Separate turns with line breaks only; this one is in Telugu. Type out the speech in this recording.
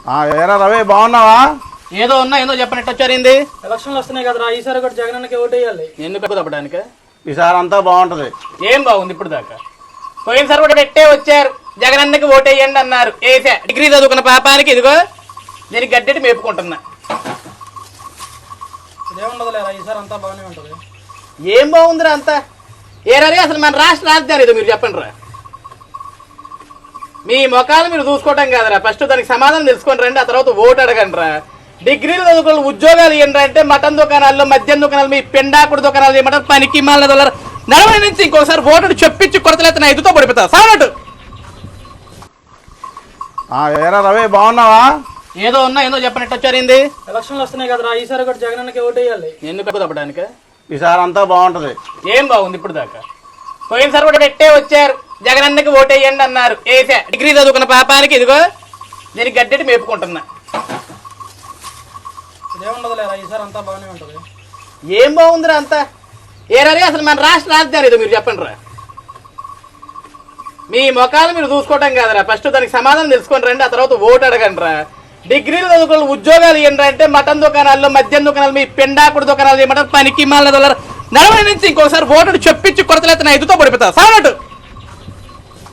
ఏరా రవి బాగున్నావా?
ఏదో ఉన్నా ఏదో చెప్పినట్టు వచ్చారింది.
ఎలక్షన్లు వస్తున్నాయి కదరా, ఈసారి కూడా జగనన్నకి ఓటు వేయాలి.
ఎందుకు తప్పడానికి?
ఈసారి అంతా బాగుంటది.
ఏం బాగుంది ఇప్పుడు దాకా? పోయినసారి కూడా పెట్టే వచ్చారు, జగనన్నకి ఓటేయండి అన్నారు, వేసా. డిగ్రీ చదువుకున్న పాపానికి ఇదిగో దీనికి గడ్డెట్టి మేపుకుంటున్నా.
ఇదేముండదు లేరా, ఈసారి అంతా బాగానే ఉంటది.
ఏం బాగుందిరా అంతా? ఏరారి అసలు మన రాష్ట్ర రాజధాని ఏదో మీరు చెప్పండి రా. మీ ముఖాలు మీరు చూసుకోవటం కాదురా, ఫస్ట్ దానికి సమాధానం తెలుసుకొని రండి, ఆ తర్వాత ఓటు అడగండి రా. డిగ్రీలు చదువుకున్న ఉద్యోగాలు ఏంటంటే మటన్ దుకాణాల్లో, మద్యం దుకాణాలు, మీ పెండాకుడు దుకాణాలు ఏమంటారు, పనికి మాల దొల్లరు. 40 నుంచి ఇంకోసారి ఓటు చెప్పించి కొరతలెత్తిన ఎదుతో పడిపోతా సావనట్టు.
ఏరా రవి బాగున్నావా?
ఏదో ఉన్నా ఏదో చెప్పినట్టు వచ్చారింది.
ఎలక్షన్లు వస్తున్నాయి కదరా, ఈసారి కూడా జగనన్నకి ఓటు వేయాలి.
ఎందుకు తప్పడానికి?
ఈసారి అంతా బాగుంటది.
ఏం బాగుంది ఇప్పుడు దాకా? పోయినసారి కూడా పెట్టే వచ్చారు, జగనన్నకి ఓటేయండి అన్నారు, వేసా. డిగ్రీ చదువుకున్న పాపానికి ఇదిగో దీనికి గడ్డెట్టి మేపుకుంటున్నా.
ఇదేముండదు లేరా, ఈసారి అంతా బాగానే ఉంటది.
ఏం బాగుందిరా అంతా? ఏరారి అసలు మన రాష్ట్ర రాజధాని ఏదో మీరు చెప్పండి రా. మీ ముఖాలు మీరు చూసుకోవటం కాదురా, ఫస్ట్ దానికి సమాధానం తెలుసుకొని రండి, ఆ తర్వాత ఓటు అడగండి రా. డిగ్రీలు చదువుకున్న ఉద్యోగాలు ఏంటంటే మటన్ దుకాణాల్లో, మద్యం దుకాణాలు, మీ పెండాకుడు దుకాణాలు ఏమంటారు, పనికి మాల దొల్లరు. 40 నుంచి ఇంకోసారి ఓటు చెప్పించి కొరతలెత్తిన ఎదుతో పడిపోతా సావనట్టు.